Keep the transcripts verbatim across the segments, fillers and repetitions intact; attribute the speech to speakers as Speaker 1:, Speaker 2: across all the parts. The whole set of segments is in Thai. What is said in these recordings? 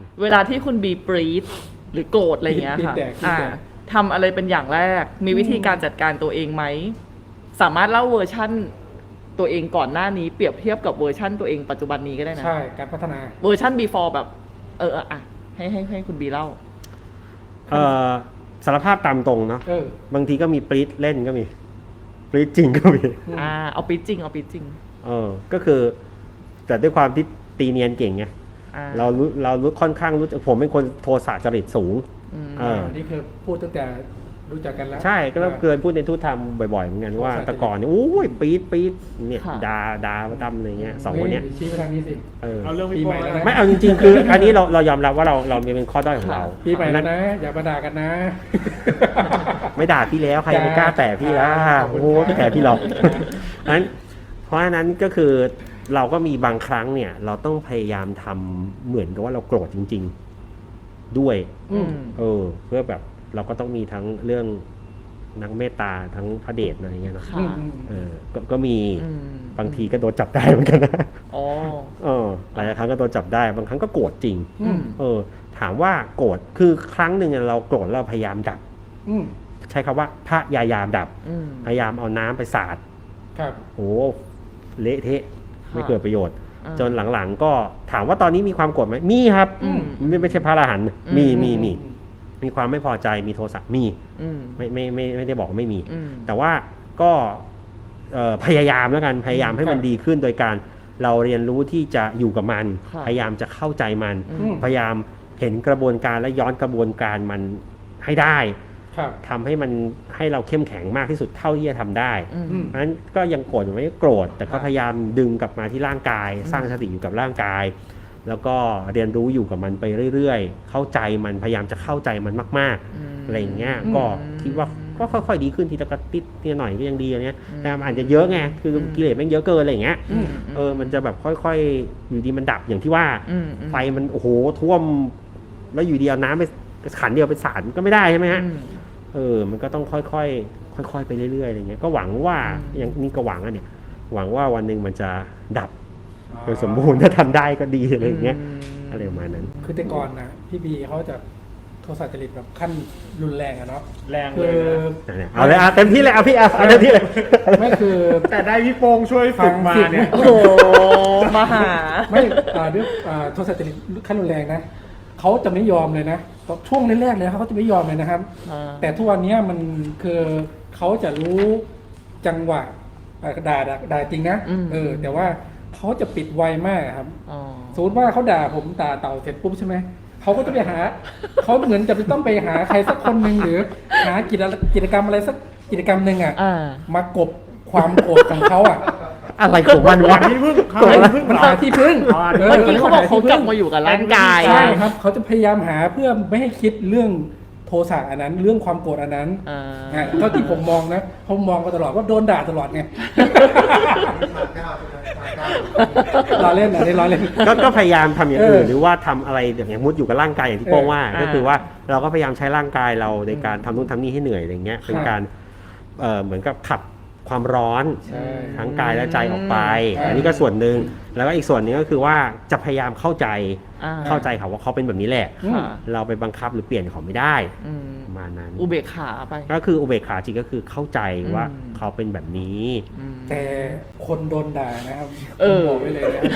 Speaker 1: เวลาที่คุณบีปรีดหรือโกรธอะไรเงี้ยค่ะอ่าทำอะไรเป็นอย่างแรกมีวิธีการจัดการตัวเองไหมสามารถเล่าเวอร์ชั่นตัวเองก่อนหน้านี้เปรียบเทียบกับเวอร์ชั่นตัวเองปัจจุบันนี้ก็ได้นะ
Speaker 2: ใช่การพัฒนา
Speaker 1: เวอร์ชั่น before แบบเอออ่ะให้ให้ให้คุณบีเล่า
Speaker 3: เออสารภาพตามตรงเนาะบางทีก็มีปรี๊ดเล่นก็มีปรี๊ดจริงก็มี
Speaker 1: อ่าเอาปรี๊ดจริงเอาปรี๊ดจริง
Speaker 3: เออก็คือแต่ด้วยความที่ตีเนียนเก่งไงเรารู้เรารู้ค่อนข้างรู้ผมเป็นคนโทสะจริตสูง
Speaker 2: อ่านี่คือพูดตั้งแต่รู้จักกันแล้ว
Speaker 3: ใช่ก็เคยพูดในทุตธรรมบ่อยๆเหมือนกันว่าแต่ก่อนเนี่ยโอ้ยปี๊ดปี๊ดเนี่ยดาดาดำอะไรเงี้ยสองคนเนี้ย
Speaker 2: ชี้ไปทางนี้สิ
Speaker 3: เอาเรื่องปีใหม่แล้วไม่เอาจริงๆคืออันนี้เราเรายอมรับว่าเราเราเป็นข้อด้อยของเรา
Speaker 2: ปีใหม่แล้วนะอย่ามาด่ากันนะ
Speaker 3: ไม่ด่าพี่แล้วใครไม่กล้าแตะพี่ล่ะโอ้โหไม่แตะพี่หรอกนั้นเพราะฉะนั้นก็คือเราก็มีบางครั้งเนี่ยเราต้องพยายามทำเหมือนกับว่าเราโกรธจริงๆด้วยเออเพื่อแบบเราก็ต้องมีทั้งเรื่องนักเมตตาทั้งพระเดชอะไรเงี้ยเนาะเออก็มีบางทีก็โดนจับได้เหมือนกันนะอ๋อเออหลายครั้งก็โดนจับได้บางครั้งก็โกรธจริงเออถามว่าโกรธคือครั้งหนึ่งเราโกรธเราพยายามดับใช้คำว่าพยายามดับพยายามเอาน้ำไปสาด
Speaker 2: ครับ
Speaker 3: โอ้เละเทะไม่เกิดประโยชน์จนหลังๆก็ถามว่าตอนนี้มีความโกรธไหมมีครับไม่ไม่ใช่พระอรหันต์มีมีมีมีความไม่พอใจมีโทสะมีไม่ไม่ไม่ไม่ได้บอกว่าไม่มีแต่ว่าก็พยายามแล้วกันพยายามให้มันดีขึ้นโดยการเราเรียนรู้ที่จะอยู่กับมันพยายามจะเข้าใจมันพยายามเห็นกระบวนการและย้อนกระบวนการมันให้ได้ทำให้มันให้เราเข้มแข็งมากที่สุดเท่าที่จะทำได้เพราะฉะนั้นก็ยังโกรธอยู่ไม่โกรธแต่ก็พยายามดึงกลับมาที่ร่างกายสร้างสติอยู่กับร่างกายแล้วก็เรียนรู้อยู่กับมันไปเรื่อยๆเข้าใจมันพยายามจะเข้าใจมันมากๆอะไรอย่างเงี้ยก็คิดว่าก็ค่อยๆดีขึ้นทีละกระติดทีละหน่อยก็ยังดีอะไรเงี้ยแต่อาจจะเยอะไงคือกิเลสแม่งเยอะเกินอะไรอย่างเงี้ยเออมันจะแบบค่อยๆอยู่ดีมันดับอย่างที่ว่าไฟมันโอ้โหท่วมแล้วอยู่ดีเอาน้ำไปขันเดียวไปสาดก็ไม่ได้ใช่ไหมฮะเออมันก็ต้องค่อยๆค่อยๆไปเรื่อยๆอะไรเงี้ยก็หวังว่าอย่างนี้ก็หวังอ่ะเนี่ยหวังว่าวันหนึ่งมันจะดับโดยสมบูรณ์ถ้าทำได้ก็ดีอะไรอย่างเงี้ยอะไรประมาณนั้น
Speaker 2: คือแต่ก่อนนะพี่บีเขาจะโทสะจริตแบบขั้นรุนแรงอะเนาะ
Speaker 4: แรงเลย
Speaker 3: เอาเลยเอาเต็มที่เลยเอาพี่เอาเอาเต็มที่เลย
Speaker 2: ไม่คือ
Speaker 4: แต่ได้พี่โป้งช่วยฝึกมาเนี่ย
Speaker 1: โอ้โหมาหา
Speaker 2: ไม่ด้วยโทสะจริตขั้นรุนแรงนะเขาจะไม่ยอมเลยนะช่วงแรกๆเลยเขาจะไม่ยอมเลยนะครับแต่ทุกวันนี้มันคือเขาจะรู้จังหวะด่าด่าจริงนะเออแต่ว่าเขาจะปิดไวมากครับสมมติว่าเขาด่าผมด่าเต่าเสร็จปุ๊บใช่ไหมเขาก็จะไปหาเขาเหมือนจะต้องไปหาใครสักคนหนึ่งหรือหากิจกิจกรรมอะไรสักกิจกรรมหนึ่งอ่ะมากบความโกรธของเขาอ่ะ
Speaker 3: อะไรของมันวะ
Speaker 4: ที่พึ่ง
Speaker 2: เขาพึ่งหาที่พึ่ง
Speaker 1: เมื่อกี้เขาบอกเขากลับมาอยู่กับร่างกาย
Speaker 2: ใช่ครับเขาจะพยายามหาเพื่อไม่ให้คิดเรื่องโทสะอันนั้นเรื่องความโกรธอันนั้นเท่าที่ผมมองนะผมมองมาตลอดว่าโดนด่าตลอดไงล้อเล่นนะนี่ล้อเล่น
Speaker 3: ก็พยายามทำอย่างอื่นหรือว่าทำอะไรอย่างมุดอยู่กับร่างกายอย่างที่โป้งว่าก็คือว่าเราก็พยายามใช้ร่างกายเราในการทำนู่นทำนี่ให้เหนื่อยอะไรเงี้ยเป็นการเหมือนกับขับความร้อนทั้งกายและใจออกไปอันนี้ก็ส่วนหนึ่งแล้วก็อีกส่วนนึงก็คือว่าจะพยายามเข้าใจเข้าใจเขาว่าเขาเป็นแบบนี้แหละเราไปบังคับหรือเปลี่ยนเขาไม่ได้ประมาณนั้น
Speaker 1: อุเบกขาไป
Speaker 3: ก็คืออุเบกขาจริงก็คือเข้าใจว่าเขาเป็นแบบนี้
Speaker 2: แต่คนโดนด่านะครับบอกไว้เลยนะ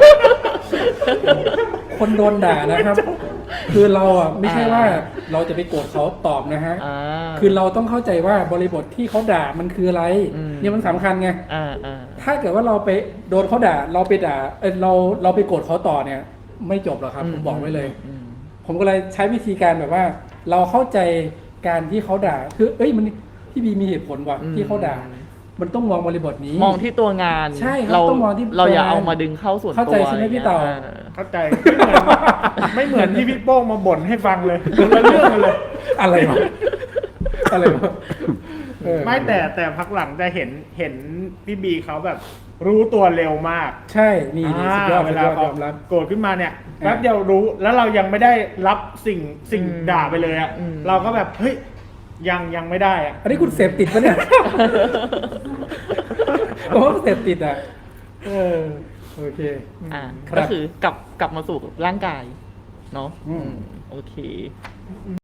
Speaker 2: คนโดนด่านะครับคือเราอ่ะไม่ใช่ว่าเราจะไปโกรธเขาตอบนะฮะคือเราต้องเข้าใจว่าบริบทที่เขาด่ามันคืออะไรเนี่ยมันสำคัญไงถ้าเกิดว่าเราไปโดนเขาด่าเราไปด่าเออเราเราไปโกรธเขาต่อเนี่ยไม่จบหรอกครับผมบอกไว้เลยผมก็เลยใช้วิธีการแบบว่าเราเข้าใจการที่เขาด่าคือเอ้ยมันพี่บีมีเหตุผลว่ะที่เขาด่ามันต้องมองบริบทนี้
Speaker 1: มองที่ตัวงาน
Speaker 2: ใช่เราต้องมองที่
Speaker 1: เราอย่าเอามาดึงเข้าส่วนตัว
Speaker 2: เข้าใจใช่ไหมพี่เต่า
Speaker 4: เข้าใจไม่เหมือนที่พี่โป้งมาบ่นให้ฟังเลยคนละเรื่องกันเลย
Speaker 2: อะไรวะอะไรวะ
Speaker 4: ไม่แต่แต่พักหลังจะเห็นเห็นพี่บีเขาแบบรู้ตัวเร็วมาก
Speaker 2: ใช่นี่สุดยอด
Speaker 4: เวลาเขาโกรธขึ้นมาเนี่ยแป๊บเดียวรู้แล้วเรายังไม่ได้รับสิ่งสิ่งด่าไปเลยอ่ะเราก็แบบเฮ้ยยังยังไม่ได้อ่ะ
Speaker 2: อันนี้คุณเสพติดปะเนี่ยโอ้เสพติดอ่ะเออโอเค
Speaker 1: อ่าก็คือกลับกลับมาสู่ร่างกายเนาะ
Speaker 2: อืม
Speaker 1: อืมโอเค
Speaker 4: อืม